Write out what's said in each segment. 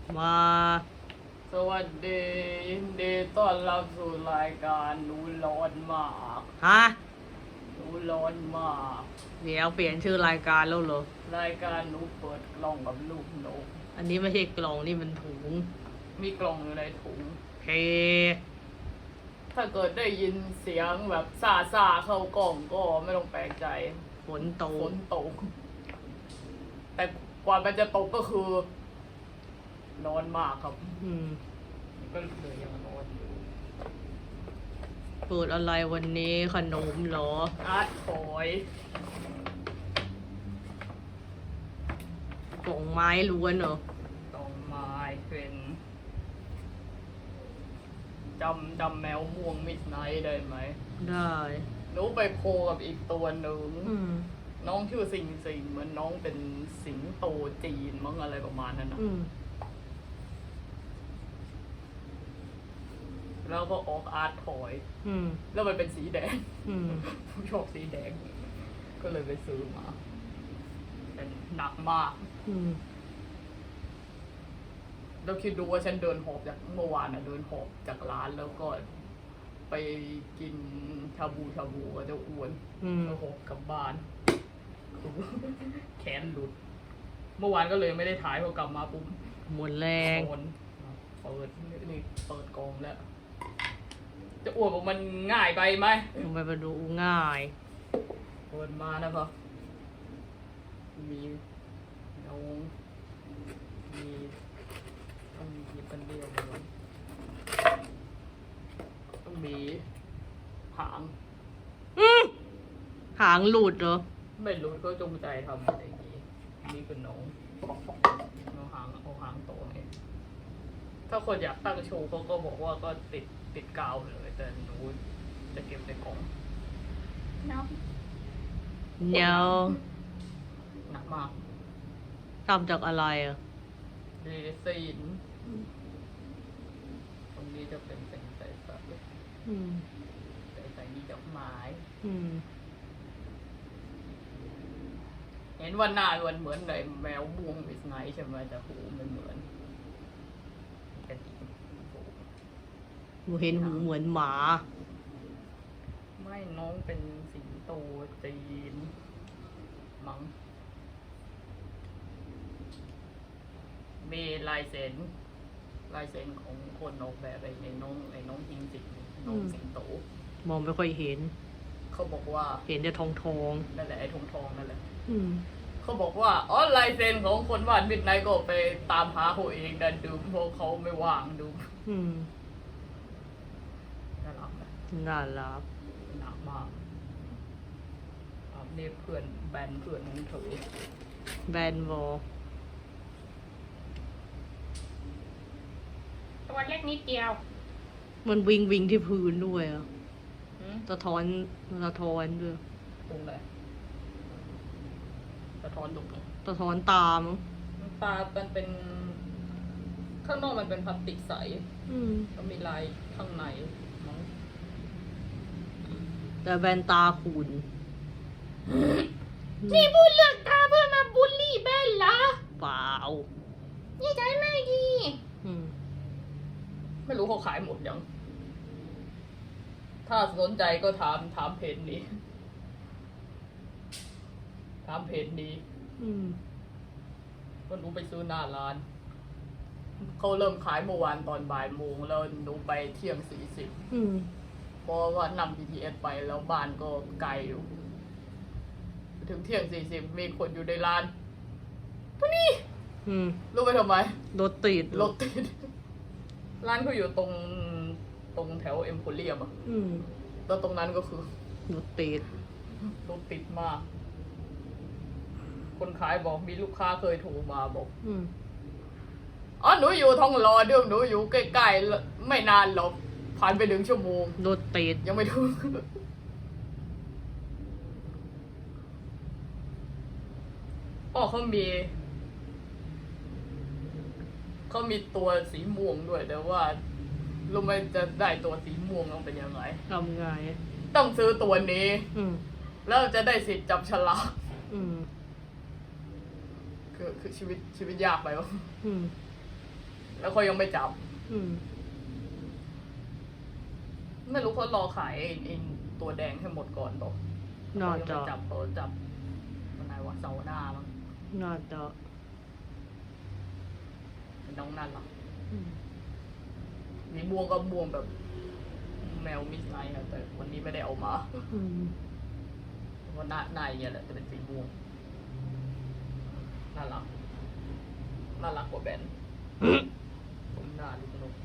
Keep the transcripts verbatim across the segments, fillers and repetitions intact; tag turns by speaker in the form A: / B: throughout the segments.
A: มา
B: สวัสดียินดีต้อนรับสู่รายการหนูร้อนมาก
A: ฮะ
B: หนูร้อนมาก
A: เดี๋ยวเปลี่ยนชื่อรายการแล้วเหรอ
B: รายการหนูเปิดกล่องกับลูกนก
A: อันนี้ไม่ใช่กล่องนี่มันถุง
B: มีกล่องอยู่ในถุง
A: เฮ
B: ถ้าเกิดได้ยินเสียงแบบซาซาเข้ากล่องก็ไม่ต้องแปลกใจ
A: ฝนตก
B: ฝนตกแต่กว่ามันจะตกก็คือร้อนมากครับ
A: อืม
B: ก็เลยยังร้อนอยู่
A: เปิดอะไรวันนี้ขนมเหรอ
B: อาร์ตถอย
A: กล่องไม้ล้วนเหรอ
B: ดอกไม้เป็นจำจำแมวม่วงมิดไนท์ได้ไหม
A: ได้
B: หนูไปโคกับอีกตัวหนึ่งน้องชื่อสิงสิงเหมือนน้องเป็นสิงโตจีนมั้งอะไรประมาณนั้นนะแล้วก็ออกอาร์ตถอยแล้วมันเป็นสีแดงผู้ชอบสีแดงก็เลยไปซื้อมาเป็นหนักมากเราคิดดูว่าฉันเดินหอบจากเมื่อวานนะเดินหอบจากร้านแล้วก็ไปกินชาบูชาบูก็จะอ้วนแล้วหอบกลับบ้านแขนหลุดเมื่อวานก็เลยไม่ได้ถ่ายพอกลับมาปุ๊บ
A: หมดแรง
B: เปิดนี่เปิดกองแล้วจะอ้วนบอกมันง่ายไปไหม
A: ทำไมมันดูง่าย
B: เปิดมานะครับมีน้องมีต้องมีเป็นเดียวเลยต้องมีหาง
A: หางหลุดเหรอ
B: ไม่หลุดก็จงใจทำอะไรอย่างนี้นี่คือน้องน้องหางเอาหางโตเนี่ยถ้าคนอยากตั้งโชว์เขาก็บอกว่าก็ติดติดกาวเลยแต่หนูจะเก็บในกล่องเนาะ
A: เนาะ
B: หนักมาก
A: ทำจากอะไรอ่ะ
B: เรซินตรงนี้จะเป็นเป็นใส่ใส่ใส่ใส่มีดอกไม้เห็นว่าหน้ามันเหมือนในแมวบวงวิสไนใช่ไหมแต่หูมันเหมือนกระดิ่ง
A: หนูเห็นหูเหมือนหมา
B: ไม่น้องเป็นสิงโตจีนมั้งมีลายเซ็นลายเซ็นของคนออกแบบไอ้น้องไอ้น้องหิงสิงน้องสิงโต
A: มองไม่ค่อยเห็น
B: เขาบอกว่า
A: เห็นแต่ทองทอง
B: นั่นแหละไอ้ทองทองนั่นแหละเขาบอกว่าอ๋อลายเซ็นของคนวาดมิดไนท์ก็ไปตามหาเขาเองดันดูเพราะเขาไม่ว่างดูน่ารักไหม
A: น่ารัก
B: หนักมากนี่เพื่อนแบนเพื่อนของเธอ
A: แบนวอ
B: ตัวเล็กนิดเดียว
A: มันวิงวิงที่พื้นด้วยอ่ะสะท้อนสะท้อนด้วย
B: ตรงไหนสะท้อนตรงไหน
A: สะท้อนตามั้ง
B: ตามันเป็นข้างนอกมันเป็นพลาสติกใสแล้วมีลายข้างในมั้ง
A: แต่แบนตาขุ่น
B: นี่พูดเรื่องตาเพื่อมาบูลลี่แบนเหรอ
A: เปล่า
B: นี่ใจไม่ดีไม่รู้เขาขายหมดยังถ้าสนใจก็ถามถามเพจนี้ถามเพจนี้ก็หนูไปซื้อหน้าร้านเขาเริ่มขายเมื่อวานตอนบ่ายโมงแล้วหนูไปเที่ยงสี่สิบเพราะว่านำ บี ที เอส ไปแล้วบ้านก็ไกลอยู่ถึงเที่ยงสี่สิบมีคนอยู่ในร้านตัวนี้รู้ไปทำไม
A: รถติด
B: รถติดร้านเขาอยู่ตรงตรงแถวเอ็มโพเรียมอ่ะแล้วตรงนั้นก็คือ
A: รถติด
B: รถติดมากคนขายบอกมีลูกค้าเคยโทรมาบอกอ๋อหนูอยู่ทองหล่อเดิมหนูอยู่ใกล้ๆไม่นานหรอกผ่านไปหนึ่งชั่วโมง
A: รถติด
B: ยังไม่ถึงอ๋อเขามีเขามีตัวสีม่วงด้วยแต่ว่ารู้ไหมจะได้ตัวสีม่วงต้องเป็นยังไง
A: ทำไง
B: ต้องซื้อตัวนี้แล้วจะได้สิทธิ์จับฉลากคือคือชีวิตชีวิตยากไปวะแล้วเขายังไม่จับ
A: อืม
B: ไม่รู้เขารอขายไอ้ไอ้ตัวแดงให้หมดก่อนบอก
A: น่า
B: เขายัง
A: จะ
B: ไม่จับเขาจับวันไหนวะเสาร์หน้ามั้ง
A: น่าจะ
B: เป็นน้องนั่นหรอ
A: อืม
B: มีบวงก็บวงแบบ แมวมิสไนท์อะแต่วันนี้ไม่ได้เอามา
A: อืม
B: เพราะหน้าหน้าอย่างเงี้ยแหละจะเป็นสีม่วงน่ารักน่ารักกว่าแบนผมหน้าลูกนก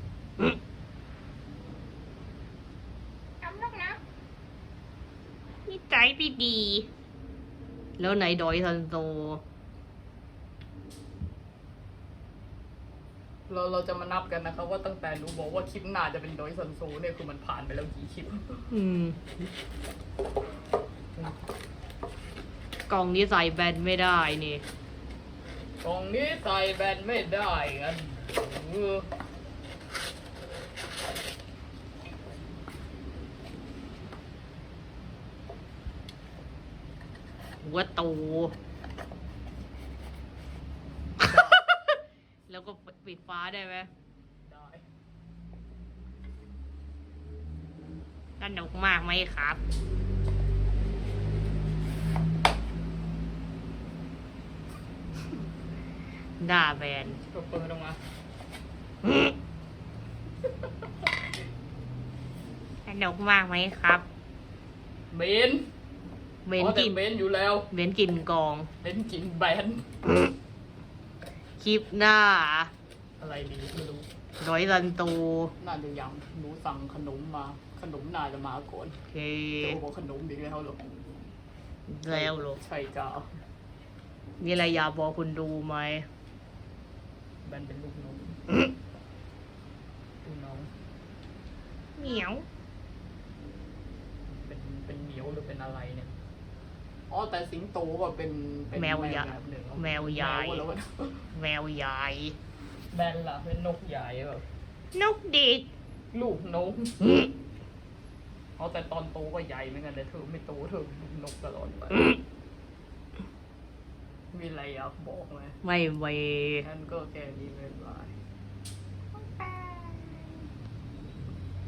C: ทำลูกนะ
A: นิสัยไม่ดี แล้วไหนดอยซันโซ
B: เราเราจะมานับกันนะครับว่าตั้งแต่หนูบอกว่าคลิปหน้าจะเป็นดอยซันโซเนี่ยคือมันผ่านไปแล้วกี่คลิป
A: อืม กล่องนี้ใส่แบนไม่ได้นี่
B: กล่องนี้ใส่แบนไม่ได้กันเออ
A: หัวโต แล้วก็ปิดฟ้าได้ไหม
B: ได้
A: สนุกมากไหมครับ ด่าแบน
B: ก็เปิดออกมา
A: สนุกมากไหมครับ
B: เบน
A: เบน
B: อ๋อแต่
A: กิน
B: เบนอยู่แล้ว
A: เบนกินกอง
B: เบนกินแบน
A: คลิปหน้า
B: อะไรดีไม่รู้
A: ร้อยซันโต
B: น่าจะยังหนูสั่งขนมมา ขนมน่าจะมาก่อน
A: โอเค
B: เจ้าบอกขนมอีกแล้วเหรอ
A: แล้วเหรอ
B: ใช่จ้า
A: มีอะไรอยากบอกคุณดูไหม
B: แบนเป็นลูกน้องลูกน้อง
A: เหมียว
B: เป็นเป็นเหมียวหรือเป็นอะไรเนี่ย อ๋อแต่สิงโตก็เป็นเป็น
A: แมวใหญ่
B: แบบหนึ่ง
A: แมวใหญ่
B: แมวแล้วะ
A: แมวใหญ่
B: แบนล่ะเป็นนกใหญ่แบบ
A: นกเด็ก
B: ลูกนกอ๋อแต่ตอนโตก็ใหญ่เหมือนกันแต่เธอไม่โตเธอลูกนกตลอดไป มีอะไรอยากบอกไหม
A: ไม่เว
B: งั้นก็แค่นี้ไม่เป็นไร